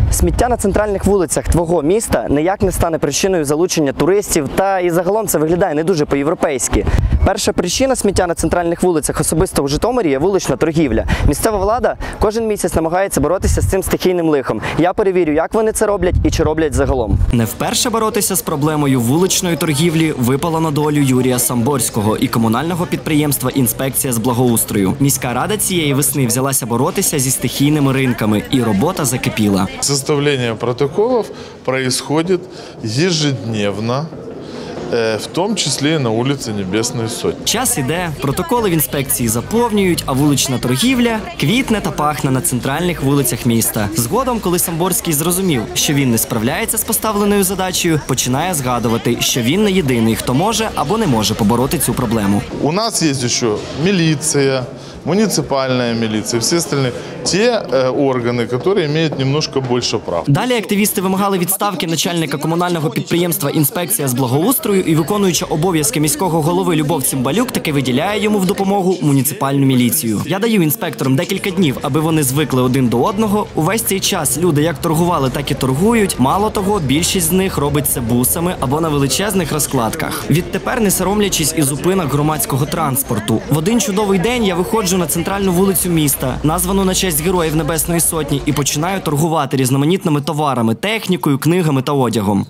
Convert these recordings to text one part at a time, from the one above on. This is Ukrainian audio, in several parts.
Сміття на центральних вулицях твого міста ніяк не стане причиною залучення туристів, та і загалом це виглядає не дуже по-європейськи. Перша причина сміття на центральних вулицях особисто в Житомирі є вулична торгівля. Місцева влада кожен місяць намагається боротися з цим стихійним лихом. Я перевірю, як вони це роблять і чи роблять загалом. Не вперше боротися з проблемою вуличної торгівлі випало на долю Юрія Самборського і комунального підприємства «Інспекція з благоустрою». Міська рада цієї весни взялася боротися зі стихійними ринками, і робота закипіла. Составление протоколов происходит ежедневно, в том числе и на улице Небесной Сотни. Час іде, протоколи в інспекції заповнюють, а вулична торгівля квітне та пахне на центральних вулицях міста. Згодом, коли Самборський зрозумів, що він не справляється з поставленою задачею, починає згадувати, що він не єдиний, хто може або не може побороти цю проблему. У нас есть еще милиция, муниципальная милиция, все остальные, те органы, которые имеют немножко больше прав. Далі активісти вимагали відставки начальника комунального підприємства «Інспекція з благоустрою», і виконуюча обов'язки міського голови Любов Цимбалюк таки виділяє йому в допомогу муніципальну міліцію. Я даю інспекторам декілька днів, аби вони звикли один до одного. Увесь цей час люди як торгували, так і торгують. Мало того, більшість з них робить це бусами або на величезних розкладках. Відтепер, не соромлячись і зупинок громадського транспорту. В один чудовий день я виходжу на центральну вулицю міста, названу на честь Героїв Небесної Сотні, і починаю торгувати різноманітними товарами, технікою, книгами та одягом.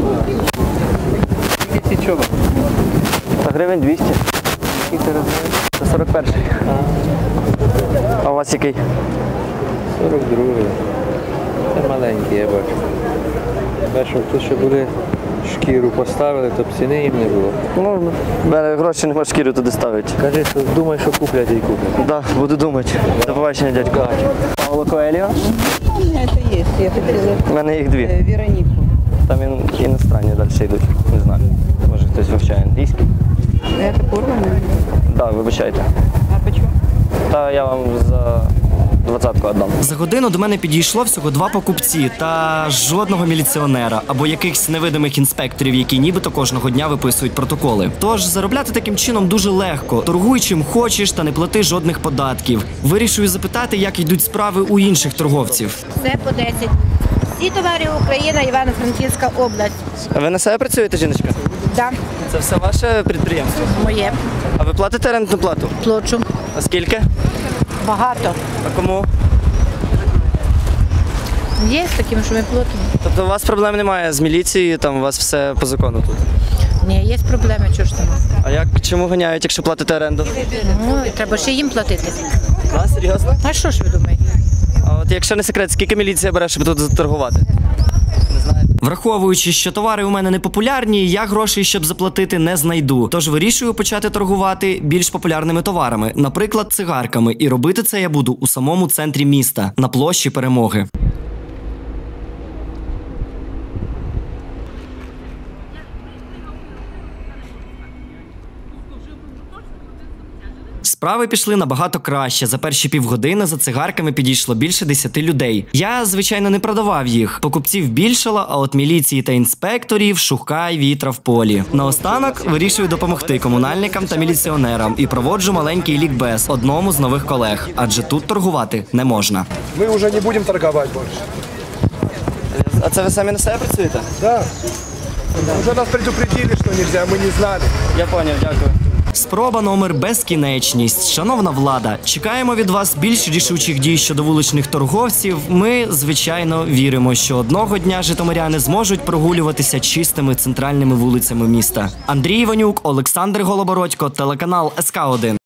Чого? Гривень 200. Це 41-й. А у вас який? 42-й. Це маленький, я бачу. Бачу, тут ще були шкіру поставили, то б ціни їм не було. Ну, гроші нема, шкіру туди ставити. Кажи, що думай, що куплять і куплять. Так, буду думати. До побачення, дядько. Павло Коеліо? У меня это есть, я хотела У мене їх дві. Веронику. Там іностранні далі йдуть, не знаю. Може хтось вивчає англійський. Это порвано? Так, вибачайте. А почему? Та я вам за 20-ку віддам. За годину до мене підійшло всього 2 покупці та жодного міліціонера або якихось невидимих інспекторів, які нібито кожного дня виписують протоколи. Тож заробляти таким чином дуже легко. Торгуй чим хочеш та не плати жодних податків. Вирішую запитати, як йдуть справи у інших торговців. Все по 10. Всі товари Україна, Івано-Франківська область. А ви на себе працюєте, жіночка? Да, Це все ваше підприємство? моє. А ви платите рентну плату? Плачу. А скільки? Багато. А кому? Є з таким, що ми платимо. Тобто у вас проблем немає з міліцією, там у вас все по закону тут? Ні, є проблеми, чого ж там. А чому ганяють, якщо платите оренду? Ну, і треба ще їм платити. А, серйозно? А що ж ви думаєте? А от якщо не секрет, скільки міліція бере, щоб тут заторгувати? Враховуючи, що товари у мене не популярні, я грошей, щоб заплатити, не знайду. Тож вирішую почати торгувати більш популярними товарами, наприклад, цигарками. І робити це я буду у самому центрі міста, на площі Перемоги. Справи пішли набагато краще. За перші півгодини за цигарками підійшло більше 10 людей. Я, звичайно, не продавав їх. Покупців більшало, а от міліції та інспекторів шукай вітра в полі. Наостанок вирішую допомогти комунальникам та міліціонерам і проводжу маленький лікбез одному з нових колег. Адже тут торгувати не можна. Ми вже не будемо торгувати більше. А це ви самі на себе працюєте? Так. Вже нас предупредили, що не можна, ми не знали. Я зрозумів, дякую. Спроба номер безкінечність. Шановна влада, чекаємо від вас більш рішучих дій щодо вуличних торговців. Ми, звичайно, віримо, що одного дня житомиряни зможуть прогулюватися чистими центральними вулицями міста. Андрій Іванюк, Олександр Голобородько, телеканал СК1.